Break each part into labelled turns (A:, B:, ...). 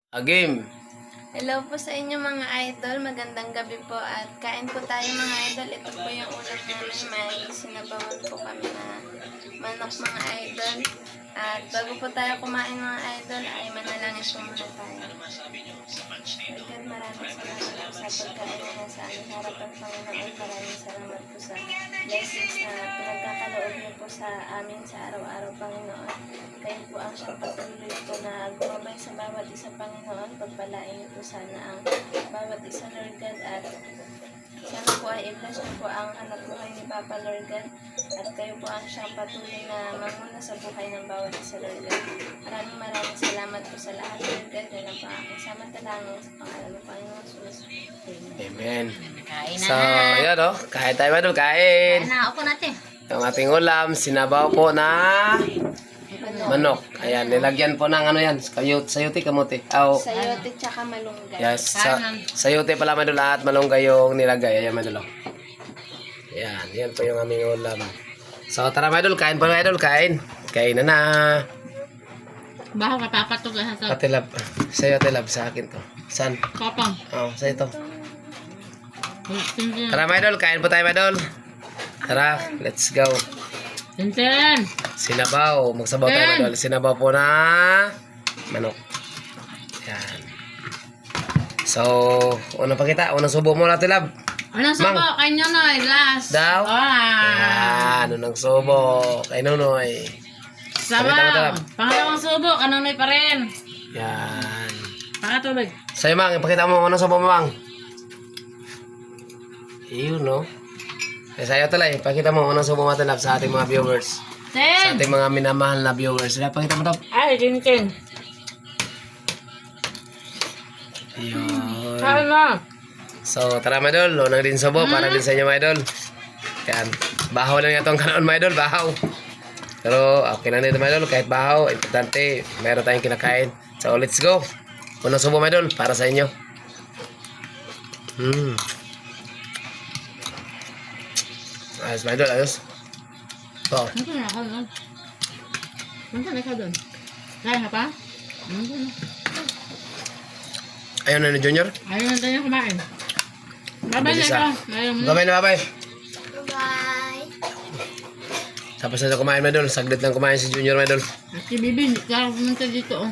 A: A game.
B: Hello po sa inyo mga idol, magandang gabi po at kain po tayo mga idol. Ito po yung ulam namin, may sinabawan po kami na manok mga idol. At bago po tayo kumain mga idol ay manalangin po muna tayo. Agad maraming salamat po sa pagkain na nasa aming harapan Panginoon. Maraming salamat po sa blessings na pinagkakaloob niyo po sa amin sa araw-araw Panginoon. Kayo po ang siyang patuloy po na gumabay sa bawat isa Panginoon. Pagpalain niyo po sana ang bawat isa Lord God at sana po ay i-bless niyo po ang anak buhay ni Papa Lord God at kayo po ang siyang patuloy na mamuna sa buhay ng bawat isa Lord God. Maraming salamat po sa lahat Lord God. Yan ang aking samantalangin sa pangalan ng Panginoon Jesus.
A: Amen.
C: Kain na.
A: So, ayan o. Kain tayo ba doon? Kain.
C: Kain na. Upo natin.
A: Yung ating ulam, sinabaw po na manok. Ayan, nilagyan po ng ano yan. Sayote, kamote.
B: Sayote tsaka malunggay.
A: Yes, sayote pala madul at malunggay yung nilagay. Ayan, madul. Ayan, yan po yung aming ulam. So, tara madul, kain po madul, kain. Kain na na.
C: Baho ka papatog sa sa.
A: Patilab. Sayote lab sa akin to. San?
C: Papang.
A: Oh, sa ito. Tara madul, kain po tayo madul. Tara, let's go.
C: Tintin.
A: Sinabaw. Magsabaw tayo madul. Sinabaw po na manok. Ayan. So, unang pakita. Unang subo mo natin lab.
C: Anong subo? Kay Nonoy. Last.
A: Daw?
C: Ah.
A: Ayan, unang subo. Kay Nonoy.
C: Sabaw. Pangalawang subo. Kanonoy pa rin.
A: Yan.
C: Pakatubig.
A: Sa'yo, Mang. Ipakita mo unang subo mo, Mang. Yun, no? Sa'yo talay. Ipakita mo unang subo mo natin lab sa ating mga viewers. Sa
C: Tin.
A: ating mga minamahal na viewers. Pakita mo daw.
C: Ay, Tintin.
A: Yun.
C: Kain na.
A: So, tara mga idol. Unang din subo para din sa inyo mga idol. Yan. Bahaw lang itong kanoon mga idol. Bahaw. Pero okay lang dito mga idol. Kahit bahaw, importante, meron tayong kinakain. So, let's go. Unang subo mga idol para sa inyo. Ayos mga idol, ayos. So,
C: Ano na ako doon? Ano na ikaw doon? Kaya ka pa?
A: ayun na ni Junior.
C: Ayaw na tayo kumain. Babay na
A: Bilis,
C: ikaw.
A: ah.
C: Ayaw mo.
A: Babay na babay.
B: Bye!
A: Tapos na kumain mga idol. Saglit lang kumain si Junior mga idol.
C: At si Bibi, hindi ka pumunta dito. Oh.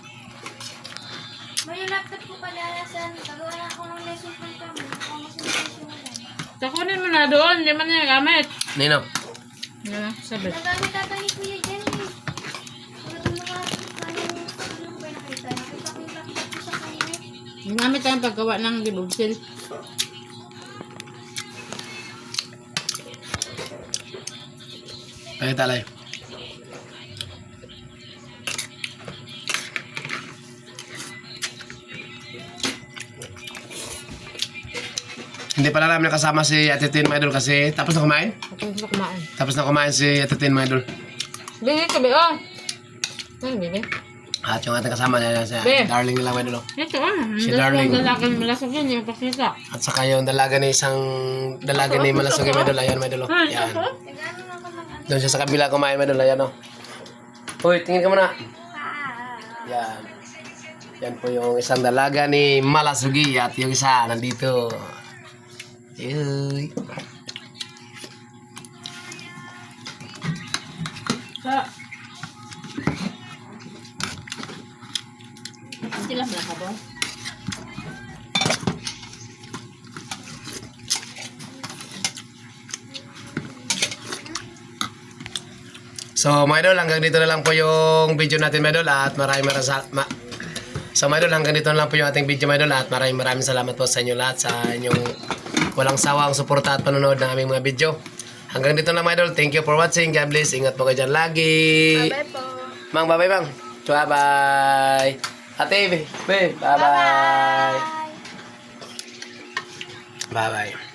B: May laptop ko pala nasan. Tagawa na ako ng lesson plan kami. Ako masimulan.
C: Takunin mo na doon. Hindi man niya gamit.
A: Nino.
C: Yan, sabi.
B: Nagamit ata ni Kuya Jen eh. Wala ko ano ba nakita? Nakita ko yung laptop ko sa kanya.
C: Gamit tayong paggawa ng libogsil.
A: Ay, talay. Hindi pala namin nakasama si Ate Tin, mga idol, kasi tapos na kumain?
C: Ako gusto kumain.
A: Tapos na kumain si Ate Tin, mga idol.
C: Bibi, sabi, oh. Ay, Bibi.
A: At yung ating kasama niya, si
C: Be.
A: Darling nila, mga idol. Oh.
C: Ito ah.
A: Si
C: Ang
A: Darling.
C: dalagang malasog yun. Yung pakita.
A: At saka yung dalaga ni Malasugay, mga idol. Ayan, mga idol. Oh.
C: Ay,
A: Yan.
C: ako.
B: Nagano na ako ng ano.
A: Doon siya sa kabila kumain, mga idol. Ayan, oh. Uy, tingin ka muna. Yan. Yan po yung isang dalaga ni Malasugi at yung isa nandito. Uy.
C: Sa... Sila na ka ba?
A: So, mga idol, hanggang dito na lang po yung video natin, mga idol, at So, mga idol, hanggang dito na lang po yung ating video, mga idol, at maraming salamat po sa inyo lahat sa inyong walang sawang suporta at panonood ng aming mga video. Hanggang dito na, mga idol. Thank you for watching. God bless. Ingat po kayo dyan lagi.
B: Bye-bye po.
A: Mang, bye-bye, Mang. Bye-bye. Ate, bye-bye. Bye-bye. Bye-bye.